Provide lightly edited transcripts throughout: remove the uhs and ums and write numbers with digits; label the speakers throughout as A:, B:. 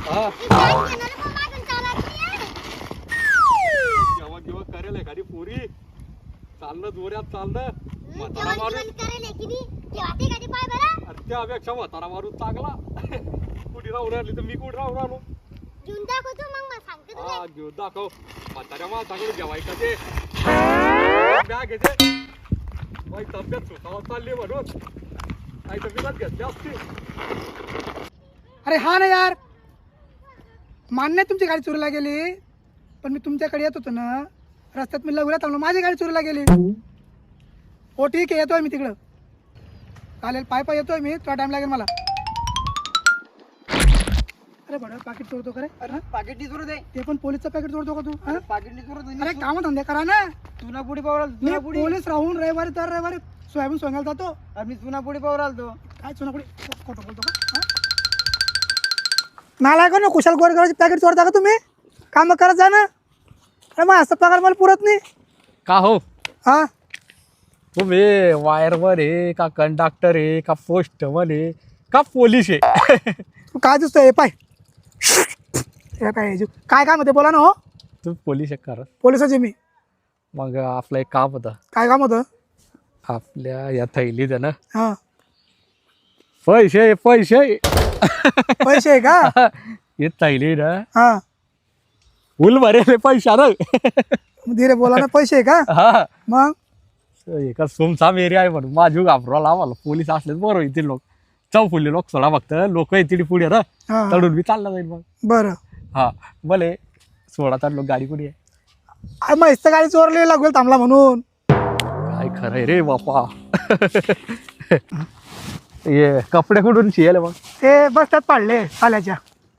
A: हा
B: बँक घेणार मग मागून चालत नाही.
A: जेव्हा जेव्हा करेल एखादी पोरी चालणं जोऱ्यात चालणं म्हातारा
B: जेवण
A: मारून
B: करेल की नाही तेव्हा ते कधी पाय बरं
A: आणि त्यापेक्षा म्हातारा मारून चांगला कुठे राहून राहिली तर मी कुठे राहून राहिलो
B: घेऊन दाखवतो मग मला सांगते तुला.
A: हा घेऊन दाखव म्हाताऱ्या माणसाकडे जेवायचं ते बॅग येते माझी तब्येत सुखावत चालली म्हणून नाही तर विकत घेतली असती.
C: अरे हा ना यार, मान्य आहे तुमची गाडी चोरीला गेली, पण मी तुमच्याकडे येत होतो ना, रस्त्यात मी लवकरात थांबलो, माझी गाडी चोरीला गेली. हो ठीक आहे, येतोय मी तिकडं. चालेल, पाय पाय येतोय मी, थोडा टाइम लागेल मला. अरे बडा पाकिट चोरतो का रे?
D: अरे पाकिट नाही चोरत आहे.
C: ते पण पोलीसचं पॅकेट चोरतो का तू? हा?
D: पाकिट नाही चोरत आहे.
C: अरे काम धंदे करा ना.
D: चुना पुडी पावर आलो.
C: मी
D: चुना पुडी.
C: पोलीस राहून रविवारी दर रविवारी सोयाबीन सोंगायला जातो.
D: अरे मी चुना पुडी पावर आलतो.
C: काय चुनापुडी खोटं बोलतो का? हा? नाला का ना कुशाल गोरगावचे पॅकेट चोरता का तुम्ही? काम करत जा ना. अरे मग असं पगार मला पुरत नाही.
A: का हो
C: हा
A: तुम्ही वायरवर आहे का कंडक्टर आहे का पोस्टमन आहे का पोलीस आहे
C: तू काय दिसतोय हे पाय हे काय काय काम होते बोला ना. हो
A: तू पोलीस आहे खरं
C: पोलिसाचे मी.
A: मग आपलं एक काम होतं
C: काय काम होतं?
A: आपल्या या थैलीत आहे ना
C: हा
A: पैसे पैसे
C: पैसे आहे का?
A: हे थैली ना
C: हा
A: फुल भरेल पैसा ना
C: धीरे बोला ना. पैसे आहे का?
A: हा
C: मग
A: एका सुमसाम एरिया आहे म्हणून माझू घाबराला आम्हाला पोलीस असले बरोबर येतील लोक चौफुल्ली लोक सोडा फक्त लोक येतील पुढे ना
C: हा
A: तडून मी चालला जाईल मग
C: बरं.
A: हा भले सोळा तर लोक गाडी कुठे आहे
C: अरे मग इथं गाडी चोरली लागेल थांबला म्हणून.
A: काय खरंय रे बापा ये कपडे कुठून शियल मग
C: ते बसतात पाडले आल्याच्या.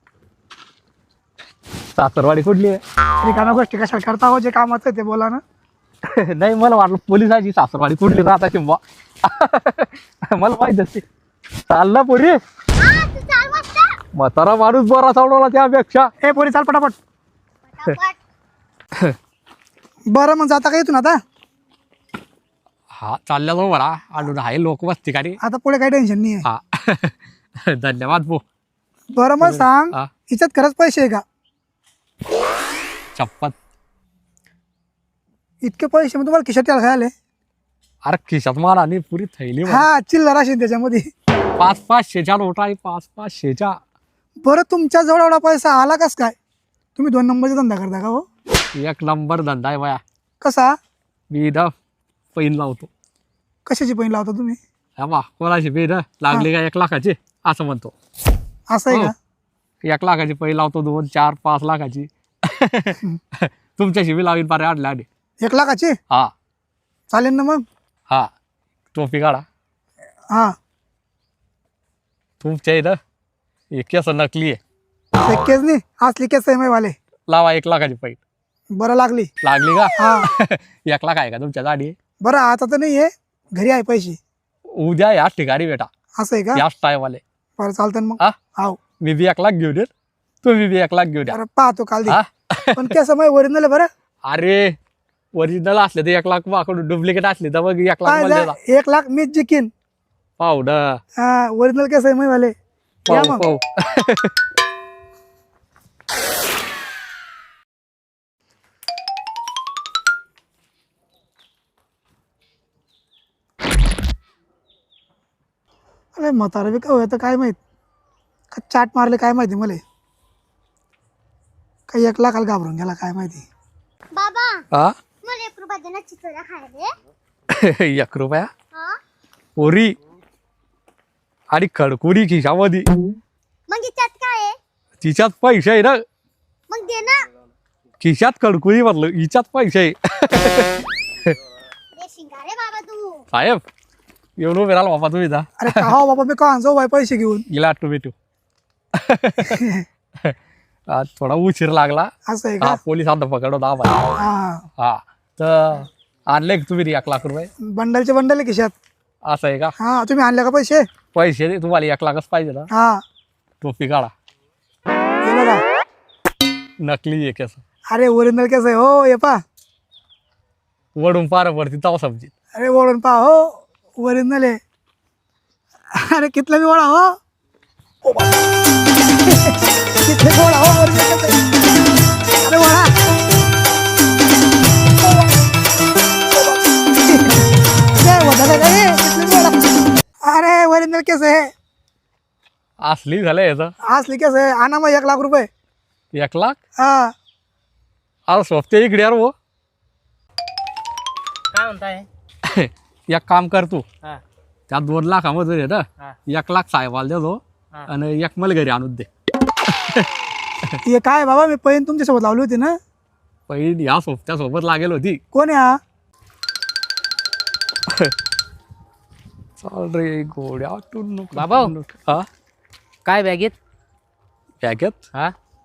A: सासरवाडी कुठली आहे
C: रिकाम्या गोष्टी कशाला करता हो? जे कामाचं आहे ते बोला ना.
A: नाही मला वाटलं पोलिसाची सासरवाडी कुठली राहता किंवा मला माहित असते चालला पुढे
B: हा तू चाल वाजता
A: म्हातारा माणूस बरा चालवला त्यापेक्षा
C: ए पोरी चाल पटापट.
B: पटापट.
C: बरं मग जाता का इथून आता?
A: हा चालल्या जाऊ बरा आडून आहे लोक बसते का रे
C: आता पुढे काही टेन्शन नाही आहे.
A: हा धन्यवाद भो
C: बरं मग सांग,
A: हा
C: हिच्यात खरंच पैसे आहे का?
A: चप्पत
C: इतके पैसे मग तुम्हाला खिशात यायला खायला?
A: अरे खिशात मारा आणि पुरी थैली भर.
C: हा चिल्लर असेल त्याच्यामध्ये.
A: 500-500च्या नोट आहे 500-500च्या.
C: बरं तुमच्या जवळ एवढा पैसा आला कस काय? तुम्ही 2 नंबरचा धंदा करता का हो?
A: एक नंबर धंदा आहे बाया
C: कसा?
A: मी इथं पैन लावतो
C: कशाची पैन लावता तुम्ही?
A: हा बा कोणाची पैन लागली का 1 लाखाची असं म्हणतो
C: असं आहे
A: हो.
C: का?
A: 1 लाखाची पैन लावतो 2, 4, 5 लाखाची तुमच्याशी बी लावीन पारे आडल्या आधी
C: 1 लाखाची
A: हा
C: चालेल ना मग.
A: हा टोपी काढा
C: हा
A: तुमच्या इथं हे केस नकली आहे
C: ते केस नाही असली केस आहे वाले.
A: लावा 1 लाखाची पैन
C: बरं लागली.
A: लागली का
C: हा
A: 1 लाख आहे का तुमच्या गाडी
C: बरं आता तर नाही आहे, घरी आहे पैसे.
A: उद्या याच ठिकाणी बेटा
C: असं आहे का?
A: याच टायमाले
C: बरं चालतं ना मग.
A: हा
C: हाव
A: मी बी 1 लाख घेऊन येत तुम्ही बी 1 लाख घेऊन या
C: बरं पाहतो काल दे.
A: हा
C: पण केस ओरिजिनल आहे बरं.
A: अरे ओरिजिनल असले तर 1 लाख माकडून डुप्लिकेट असले तर मग 1 लाख
C: काय
A: मला
C: झालं? 1 लाख मीच जिकीन.
A: पाहू ना
C: हा ओरिजिनल केस आहे वाले. या
A: पाहू
C: मग.
A: पाहू
C: अरे म्हातारा बी काय होतं काय माहित, का चाट मारले काय माहिती मला. काही 1 लाखाला घाबरून गेला काय माहिती.
B: बाबा
A: हा
B: मला 1 रुपया दे ना चिचोऱ्या खायला.
A: 1 रुपया
B: हा
A: पोरी आणि खडकुरी खिशामध्ये
B: मग याच्यात काय आहे?
A: तिच्यात पैसे आहे ना
B: मग दे ना.
A: खिशात खडकुरी म्हटलं हिच्यात पैसे आहे
B: दे शिंगारे बाबा तू.
A: साहेब येऊन उभे राहिला बाबा तुम्ही जा
C: अरे का हो बाबा मी का जाऊ बाई पैसे घेऊन.
A: गेला टोमॅटो आज थोडा उशीर लागला
C: असं आहे
A: हा
C: का?
A: पोलिसांना पकडवता आम्हाला
C: हा
A: हा तर आणले का तुम्ही 1 लाख रुपये
C: बंडलचे बंडल आहे खिशात.
A: असं आहे का
C: हा तुम्ही आणले का पैसे?
A: पैसे दे तुम्हाला 1 लाखच पाहिजे ना
C: हा
A: टोपी काढा
C: हे बघा.
A: नकली आहे कसं
C: अरे ओरिजिनल केस आहे हो. ये पा
A: वडून पार पडती तवा समजी
C: अरे ओढून पा हो ओरिजिनल आहे. अरे कितला बी ओढा हो. ओ बाबा. किती गोड हवा वर येत आहे. अरे वळा. ओ बाबा. ओ बाबा. जय वडाला रे. किती गोड. अरे वरिंदर कैसे है?
A: असली झालं याचं
C: असली कैसे है? आणा मग 1 लाख रुपये.
A: 1 लाख
C: हा.
A: अरे सोबते इकडे यार वो.
D: काय म्हणताय?
A: एक काम कर तू
D: हा
A: त्या 2 लाखामध्ये आहे ना
D: हा
A: 1 लाख साहेबाला देतो
D: हा.
A: आणि 1 मला घरी आणून दे.
C: हे काय बाबा मी पैन तुमच्यासोबत लावली होती ना.
A: पहिली या सोबत्या सोबत लागेल होती.
C: कोण आहे हा?
A: चाल रे गोड्या
D: बाबा.
A: हा
D: काय बॅगेत?
A: बॅगेत
D: हा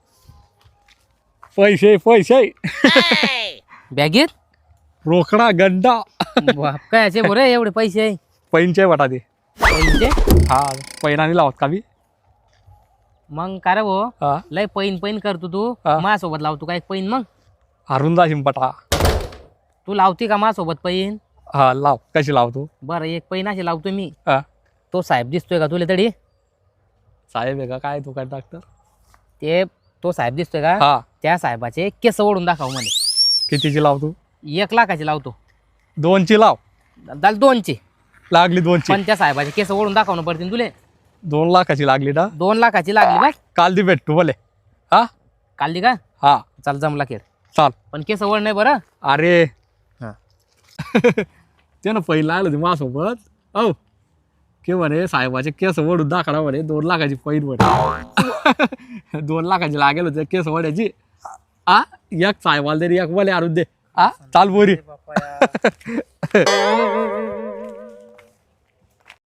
A: पैसे पैसे
D: बॅगेत
A: रोकडा गंडा
D: बाप काय असे बरे एवढे पैसे आहे
A: पैंचे बटा ते.
D: पैनचे?
A: हा पैनाने लावत का मी.
D: मग काय रे भाऊ
A: हा
D: लय पैन पैन करतो तू
A: हा.
D: माझ्यासोबत लावतो काय पैन? मग
A: हरून जाशील बटा.
D: तू लावते का माझ्यासोबत पैन?
A: हा लाव कशी लावतो.
D: बरं एक पैन अशी लावतो मी.
A: हा
D: तो साहेब दिसतोय का तुला तरी?
A: साहेब आहे का काय तू काय डॉक्टर.
D: ते तो साहेब दिसतोय का?
A: हा
D: त्या साहेबाचे केस ओढून दाखव म्हणे.
A: कितीची लावतो.
D: 1 लाखाची लावतो.
A: 2ची लाव.
D: दाल 2ची.
A: लागली 2ची.
D: पण त्या साहेबाचे केस ओढून दाखवणं पडतील तुले.
A: 2 लाखाची लागली ना.
D: 2 लाखाची लागली बस.
A: काल दी भेटतो बोले. हा
D: काढली का?
A: हा
D: चाल जमला खेळ.
A: चाल.
D: पण केस ओढ नाही बरं.
A: अरे
D: हा.
A: ते ना पहिला आलं होते माझ्यासोबत. औ के म्हणे साहेबाचे केस ओढून दाखडा म्हणे 2 लाखाची पैन म्हणे. 2 लाखाची लागेल होते केस ओढ्याची. हा 1 साहेबाला तरी 1 मला आणून दे. हा चाल बोरी.